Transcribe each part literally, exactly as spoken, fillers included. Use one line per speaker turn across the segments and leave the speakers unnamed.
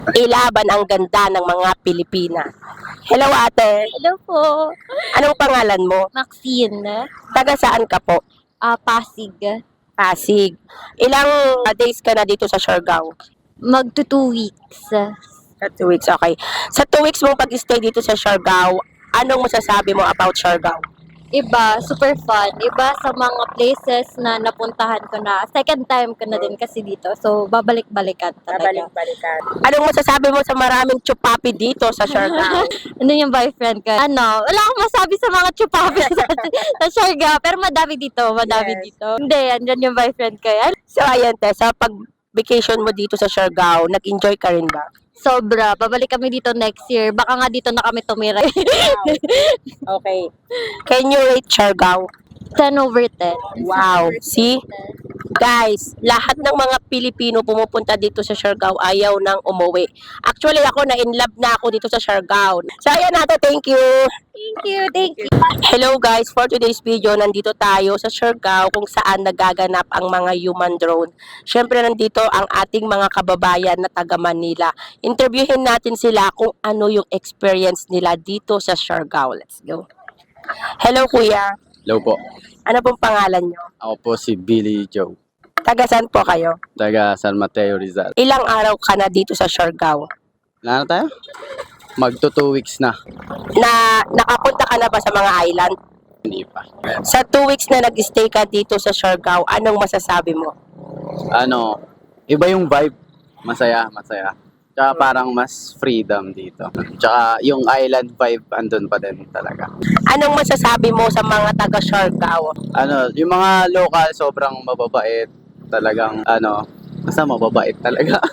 Ilaban ang ganda ng mga Pilipina. Hello ate,
Hello po,
anong pangalan mo?
Maxine.
Taga saan ka po?
Ah, Pasig.
Pasig. Ilang uh, days ka na dito sa Siargao?
Magto two weeks.
Sa two weeks, okay. Sa two weeks mong pag-stay dito sa Siargao, anong masasabi mo about Siargao?
Iba, super fun. Iba sa mga places na napuntahan ko na. Second time ko na din kasi dito. So, babalik-balikan talaga.
Babalik-balikan. Anong masasabi mo sa maraming chupapi dito sa Siargao?
Ano yung boyfriend ko? Ano, wala akong masabi sa mga chupapi sa, sa Siargao. Pero madami dito, madami
Yes.
dito. Hindi, andyan yung boyfriend ko. Yan.
So ayan te, sa pag-vacation mo dito sa Siargao, nag-enjoy ka rin ba?
Sobra. Babalik kami dito next year. Baka nga dito na kami tumira.
Okay. Can you rate Siargao?
ten over ten.
Wow. See? Guys, lahat ng mga Pilipino pumupunta dito sa Siargao ayaw nang umuwi. Actually, ako na in love na ako dito sa Siargao. So, ayan natin. Thank you.
Thank you, thank you.
Hello guys, for today's video, nandito tayo sa Siargao kung saan nagaganap ang mga human drone. Siyempre, nandito ang ating mga kababayan na taga Manila. Interviewin natin sila kung ano yung experience nila dito sa Siargao. Let's go. Hello kuya.
Hello po.
Ano pong pangalan nyo?
Ako po si Billy Joe.
Taga saan po kayo?
Taga San Mateo, Rizal.
Ilang araw ka na dito sa Siargao?
Wala na tayo? Magto two weeks na.
Na nakapunta ka na ba sa mga island?
Hindi pa.
Sa two weeks na nag-stay ka dito sa Siargao, anong masasabi mo?
Ano, iba yung vibe. Masaya, masaya. Tsaka parang mas freedom dito. Tsaka yung island vibe andun pa din talaga.
Anong masasabi mo sa mga taga Siargao?
Ano, yung mga local sobrang mababait. Talagang ano, basta mababait talaga.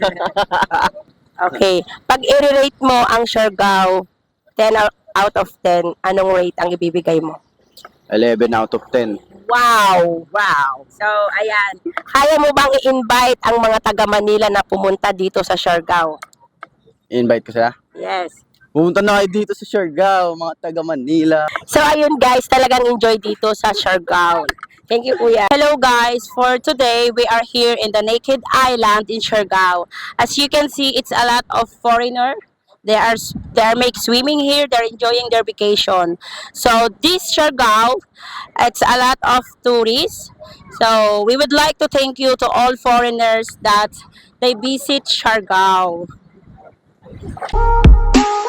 Okay. Pag i-rate mo ang Siargao, ten out of ten, anong rate ang ibibigay mo?
eleven out of ten.
Wow! Wow! So, ayan. Kaya mo bang i-invite ang mga taga Manila na pumunta dito sa Siargao?
Invite ko sila.
Yes.
Pumunta na kayo dito sa Siargao, mga taga Manila.
So, ayun guys, talagang enjoy dito sa Siargao. Thank you, Kuya. Hello guys, for today, we are here in the Naked Island in Siargao. As you can see, it's a lot of foreigner. They are they are make swimming here. They're enjoying their vacation. So this Siargao, it's a lot of tourists. So we would like to thank you to all foreigners that they visit Siargao.